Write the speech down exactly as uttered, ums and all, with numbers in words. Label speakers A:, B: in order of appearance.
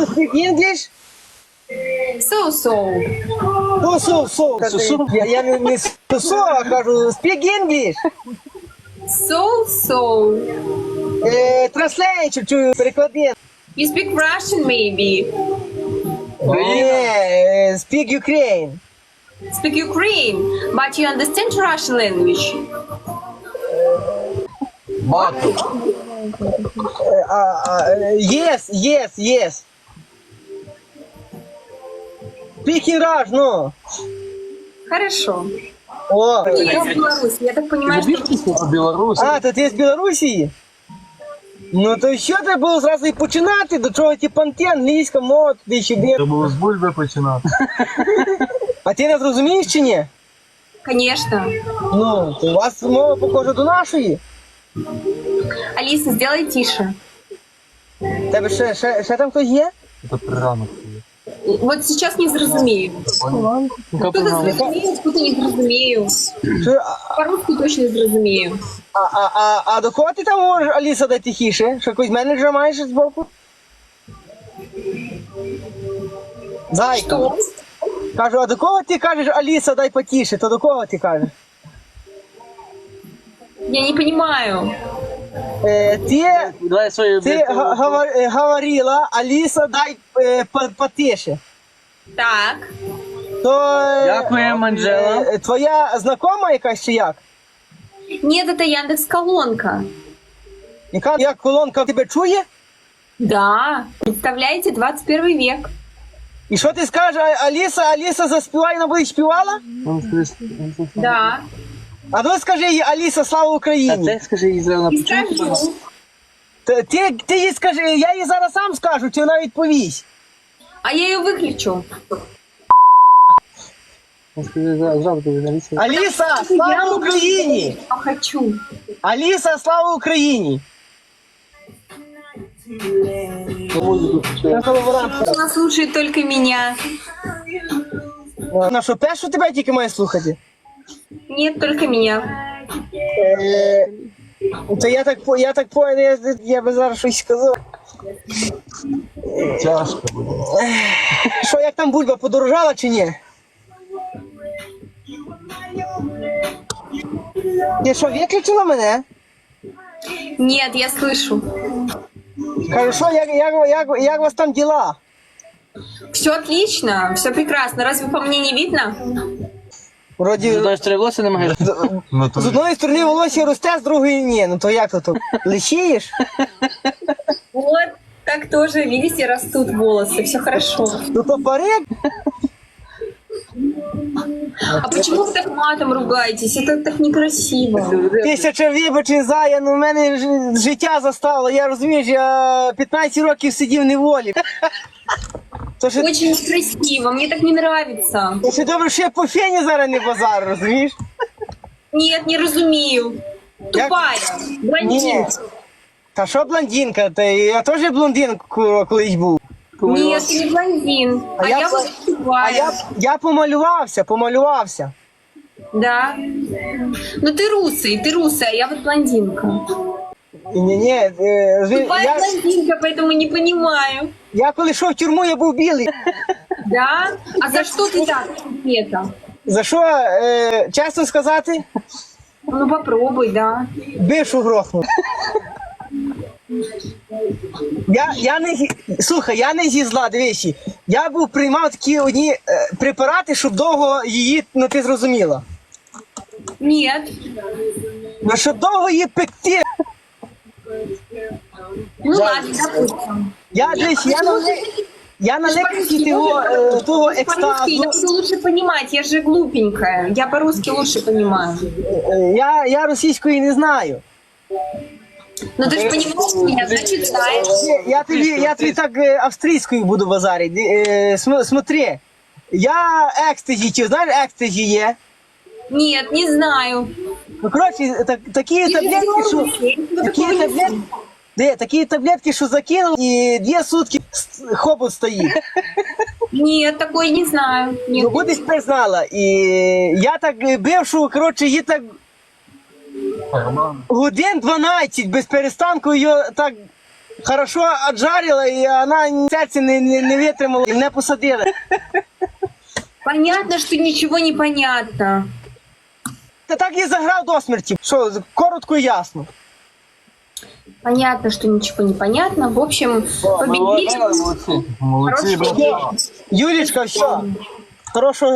A: you speak English?
B: So-so.
A: Ну, со, со, кажу, я, я не, не со, а кажу, speak English.
B: So-so.
A: Е, translate, чую, переклади.
B: You speak Russian, maybe.
A: Ні, е, speak Ukraine.
B: Speak Ukraine, but you understand Russian language.
C: Бату.
A: Е, а, а, е, yes, yes, yes. Speak in Russian, ну.
B: Хорошо.
A: О,
B: Я из Беларуси. Я так понимаю, что...
C: Білорусь.
A: а, то ти з Білорусі? Ну, то що треба було зразу і починати? До чого ті панти, англійська мова, туди сюди.
C: Треба було з бульби починати.
A: А ти нас розумієш чи ні?
B: Конечно.
A: Ну, то у вас мова похожа до нашої.
B: Алиса, сделай тише.
A: Тебе ще, ще, ще там хтось є?
C: Це приранок.
B: Вот сейчас не зрозумею. Кто-то зрозумею, кто-то не зрозумею.
A: Що, а,
B: По-русски точно зрозумею.
A: а, а, а, а до кого ти там говориш, Аліса, дай тихіше? Що якогось менеджера маєш збоку? Зайка.
B: Что?
A: Кажу, а до кого ти кажеш, Аліса, дай потіше? То до кого ти кажеш?
B: Я не понимаю.
A: Е, ти
C: Давай свою
A: ти га- гава- е, говорила, Аліса, дай е, по- потише.
B: Так.
A: То е,
C: Дякуємо, Анджела.
A: е, твоя знакома якась чи як?
B: Нет, это Яндекс.Колонка.
A: Яка як колонка тебе чує?
B: Да. Представляете, двадцать первый век.
A: І що ти скажеш, А- Аліса, Аліса заспівай, вона буде співала?
B: Да.
A: А ну скажи їй, Аліса, слава
C: А
A: Україні.
C: ти скажи їй зразу на
B: И скажу.
A: Ти, ти, ти їй скажи, я їй зараз сам скажу, чи вона відповість.
B: А я ее выключу.
A: Аліса, слава Україні!
B: Я хочу.
A: Аліса, слава Україні!
B: Она слушает только меня.
A: На що, першу тебе тільки має слухати?
B: Нет, только меня.
A: Е, то я так, по- я так понял, я, я би зараз щось сказав.
C: Тяжко буде.
A: Що, як там бульба, подорожала чи ні? Ти що, виключила мене?
B: Нет, я слышу.
A: Кажу, що, як, як, як, як у вас там діла?
B: Все отлично, все прекрасно. Разве по мне не видно?
A: Вроді,
C: Знаєш, три волосся не маєш?
A: з одної сторони волосся росте, з другої ні. Ну то як то? то? Лишієш?
B: Вот, так тоже, видите, растут волосы, все хорошо.
A: Ну то парик?
B: А почему вы так матом ругаетесь? Это так некрасиво.
A: Тисяча вибачень, Зая, ну в мене ж- життя застало. Я розумієш, я п'ятнадцять років сидів в неволі. То ще,
B: Очень некрасиво, мне так не нравится.
A: то ще добре, що я по фені зараз не базар, розумієш?
B: Нет, не разумею. Тупая,
A: Ні.
B: блондинка.
A: Та що блондинка? Та я теж блондин ку- колись був.
B: Нет, ты не блондин.
A: А
B: А,
A: я
B: я
A: по-
B: вот
A: А
B: тупая.
A: я, я помалювався, помалювався.
B: Да. Ну ты русый, ты русая, я вот блондинка.
A: Ні, ні, е, ви-
B: Тупая
A: я,
B: блондинка, поэтому не понимаю.
A: я коли йшов в тюрму, я був білий.
B: Да? А за что ты так, это?
A: За що, е, чесно сказати,
B: Ну попробуй, да.
A: бившу грохнув. Я, я не зі- слухай, я не зі зла, дивись. Я був приймав такі одні е, препарати, щоб довго її, ну ти зрозуміла.
B: Нет.
A: Ну щоб довго її пекти.
B: Ну ладно, допустим.
A: Я дивись, я на ли- я на лекції того, е, того
B: По-русски
A: екстазу.
B: я буду лучше понимать, я же глупенькая. Я по-русски лучше понимаю.
A: е, Я, я російської не знаю.
B: Ну ты же понимаешь меня, значит знаешь.
A: Я тобі, я тобі так е, австрійською буду базарити. Е, см- смотри, я екстазі, чи знаєш екстазі є?
B: Нет, не знаю.
A: Ну, коротше, так, такі
B: Ты же
A: таблетки, що...
B: белорусский,
A: Такі
B: такого не
A: таблетки, де, такі таблетки, що закинув, і дві сутки с- хобот стоїть.
B: Нет, такой не знаю. Нет.
A: Ну, будеш тепер знала. І я так е, бившу, коротше, її так годин дванадцять без перестанку її так хорошо отжарила, і вона серце не, не, не витримала, і мене посадили.
B: Понятно, что ничего не понятно.
A: Та так і заграв до смерті. Що, коротко і ясно.
B: Понятно, что ничего не понятно. В общем, победили.
C: Молодці. Молодці,
B: Хорошо.
C: браво.
A: Юлічка, все. Хорошого